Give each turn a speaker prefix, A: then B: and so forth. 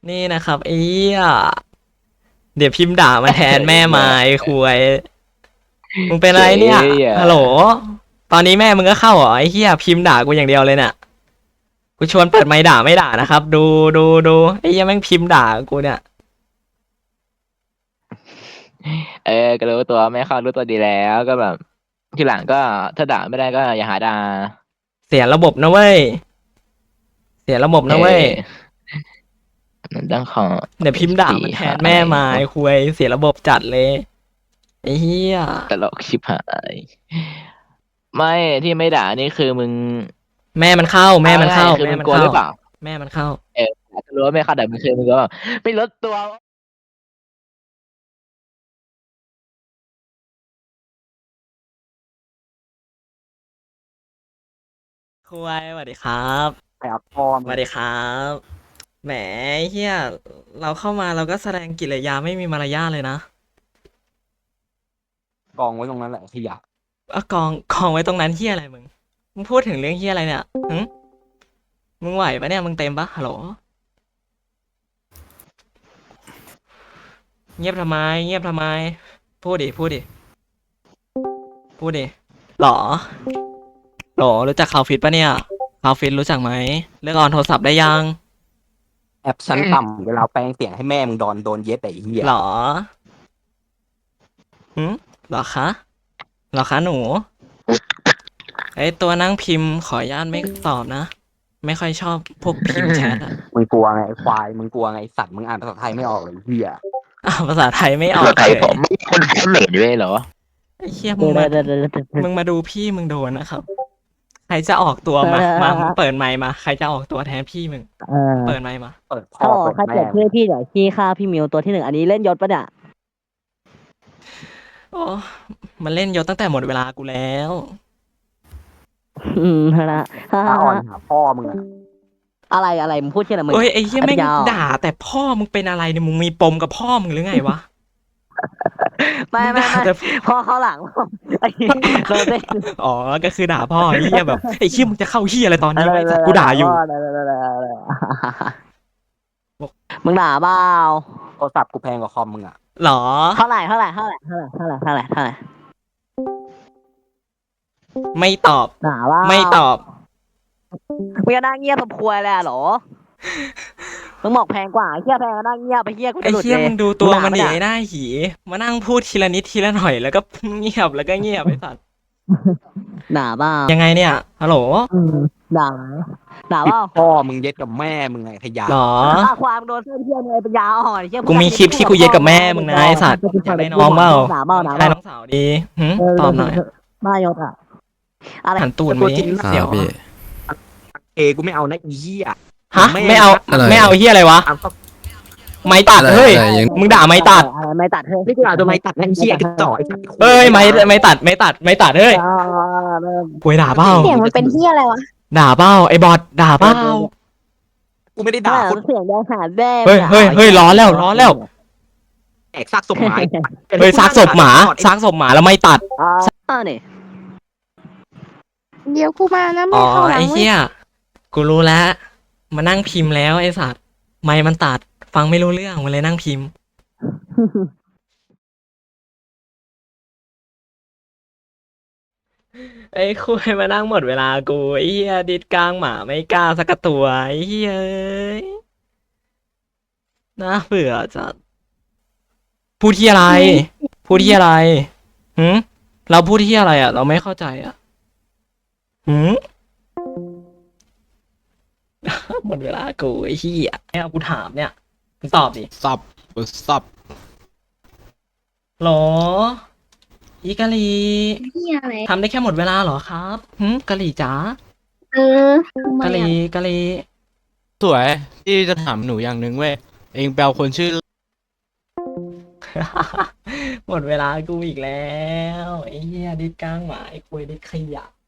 A: นี่นะครับไอ้เหี้ยเดี๋ยวพิมพ์ด่ามาแทนแม่มาไอ้คุยมึงเป็นอะไรเนี่ยฮัลโหลตอนนี้แม่มึงก็เข้าเหรอไอ้เหี้ยพิมพ์ด่ากูอย่างเดียวเลยเนี่ยกูชวนเปิดไมค์ด่าไม่ด่านะครับดูไอ้เหี้ยแม่งพิมพ์ด่ากูเนี่ย
B: ก็รู้ตัวไม่เข้ารู้ตัวดีแล้วก็แบบทีหลังก็ถ้าด่าไม่ได้ก็อย่าหาด่า
A: เสียระบบนะเว้ยเสียระบบนะเว้ย
B: มันต้องขอ
A: เดี๋ยวพิมพ์ด่ามาแทนแม่มาไอ้คุยเสียระบบจัดเลยไอ้เหี้ย
B: ตลกชิบหายไม่ที่ไม่ด่านี่คือมึง
A: แม่มันเข้าแม่มันเข้า
B: คือ
A: แม่
B: มึง
A: มัน
B: กลัวหรือเปล่า
A: แม่มันเข้า
B: ถ้ารู้ว่าไม่เข้าแต่มึงคือมึงก็แบบไม่ลดตัว
A: คุยสวัสดีครับ
C: ไปเอาพ่อ
A: ส
C: มึง
A: วัสดีครับแหมเฮียเราเข้ามาเราก็แสดงกิริยาไม่มีมารยาทเลยนะ
C: กองไว้ตรงนั้นแหละขยะ
A: กองไว้ตรงนั้นเฮียอะไรมึงพูดถึงเรื่องเฮียอะไรเนี่ยหึมึงไหวปะเนี่ยมึงเต็มปะฮัลโหลเงียบทำไมเงียบทำไมพูดดิหรอรู้จักคาวฟิตปะเนี่ยคาวฟิตรู้จักไหมเลือกออนโทรศัพท์ได้ยัง
C: แอปชั้นต่ำเวลาแปลงเสียงให้แม่มึงโดนเย็ดไอ้เหี้ย
A: หรอหรอคะหนูไอตัวนั่งพิมพ์ขออนุญาตไม่ตอบนะไม่ค่อยชอบพวกพิมพ์แชทอะ
C: มึงกลัวไงไอ้ควายมึงกลัวไงไอ้สัตว์มึงอ่านภาษาไทยไม่ออกเลยไอ้เหี้ย
A: ภาษาไทยไม่ออ
B: ภาษาก ไทย
A: เลย
B: ผมไม่คนเขมรด้วยเหรอ
A: ไอ้เหี้ยมึงมาดูพี่มึงโดนนะครับใครจะออกตัวมาเปิดไมค์มาใครจะออกตัวแทนพี่มึงเปิดไมค์มา
C: เปิดพ่อ
D: ถ้าบอก
C: เปิด
D: ใคร
C: แม่
D: เปิดชื่อพี่เดี๋ยวพี่ฆ่าพี่มิวตัวที่หนึ่งอันนี้เล่นยศปะเนี่ย
A: โอ้มันเล่นยศตั้งแต่หมดเวลากูแล้ว
D: นะ
C: ตาอ่อนหาพ่อมึงอะ
D: อะไรมึงพูดชื่ออะไรมึง
A: เอ้ยไอ้เหี้ยแม่ง
D: ยาว
A: ด่าแต่พ่อมึงเป็นอะไรเนี่ยมึงมีปมกับพ่อมึงหรือไงวะ
D: ไม่
A: งด่าแต่
D: พ่อเขาหลังเราเล่น
A: อ๋อก็คือด่าพ่อไอ้เหี้ยแบบไอ้เหี้ยมึงจะเข้าเหี้ยอะไรตอนนี้วะไอ้สัตว์กูด่าอยู่
D: มึงด่าเปล่า
C: โทรศัพท์กูแพงกว่าคอมมึงอะ
A: หรอ
D: เท่าไหร่
A: ไม่ตอบ
D: ด่าว่า
A: ไม่ตอบ
D: มึงจะนั่งเงียบสมควรเลยเหรอมึงบอกแพงกว่าเฮียแพงก็นั่งเงียบไปเฮียกู
A: ไอ้
D: จะหลุด
A: เหี้ย
D: เลย
A: มึงดูตัวมันดิ
D: ด่า
A: ไอ้หน้าหีมานั่งพูดทีละนิดทีละหน่อยแล้วก็เงียบแล้วก็เงียบไอ้สัตว์
D: ด่าเปล่า
A: ยังไงเนี่ยฮัลโหล
D: ด่าเปล่า
C: พ่อมึงเย็ดกับแม่มึงไงขยะ
A: หรอ
D: ความโดนเส้นเทียนเลยปัญญาอ่อนเฮีย
A: กูมีคลิปที่กูเย็ดกับแม่มึงนะไอ้สัตว์อยากได้น้องเปล่า
D: ด่าเปล่า
A: ใช่น้องสาวดีตอบหน่อย
D: บ้ายศอะอะไร
A: หันตูดมาดิเดี๋ยว
E: พี่
C: กูไม่เอานะอีเหี้ย
A: ฮะไม่เอา
E: อะไร
A: ไม่เอาเฮียอะไรวะ
C: เอาก็
A: ไม่ตัดเฮ้ย
E: อะไรยัง
A: มึงด่าไม่ตัด
D: อะไรไม่ตัดเฮ้ย
C: ไม่กูด่าตัวไม้ตัดนะไอ้เหี้ยกระจอกไอ้สัตว์
A: เอ้ยไม่ตัดเฮ้ยกูด่าเปล่า
F: เสียงมันเป็นที่อะไรวะ
A: ด่าเปล่าไอ้บอทด่าเปล่า
C: กูไม่ได้ด่าคน
D: เสียงแดงหาแดง
A: เฮ้ยร้อนแล้ว
C: แอกซากศพหมา
A: เฮ้ยซากศพหมาแล้วไม่ตัด
D: นี่
F: เดี๋ยวกูมานะ
A: อ๋
F: ไม่
A: อ
F: เข้าหลัง
A: ไอ้
F: เว้ย
A: เหี้ยกูรู้แล้วมานั่งพิมพ์แล้วไอ้สัตว์ไม่มันตัดฟังไม่รู้เรื่องมันเลยนั่งพิมพ์ไอ้คุยมานั่งหมดเวลากูไอ้เหี้ยดิดกลางหมาไม่กล้าสักตัวไอ้เหี้ยเอ้ยน่าเบื่อจัดพูดที่อะไรหืมเราพูดที่อะไรอ่ะ เราไม่เข้าใจอ่ะหืม หมดเวลากูไอ้เหี้ยให้เอากูถามเนี่ยมึงตอบดิ
E: สับ
A: หรออีกะลี
F: ที่อะไร
A: ทำได้แค่หมดเวลาเหรอครับกะลีจ๋า
F: เออทำไม
A: กะลี
F: อะ
A: กะลี
E: สวยที่จะถามหนูอย่างหนึ่งเว้ยเองแปลคนชื่อ
A: หมดเวลากูอีกแล้วไอ้เหี้ยดิดกลางหมาไอ้คุยดิดขยะ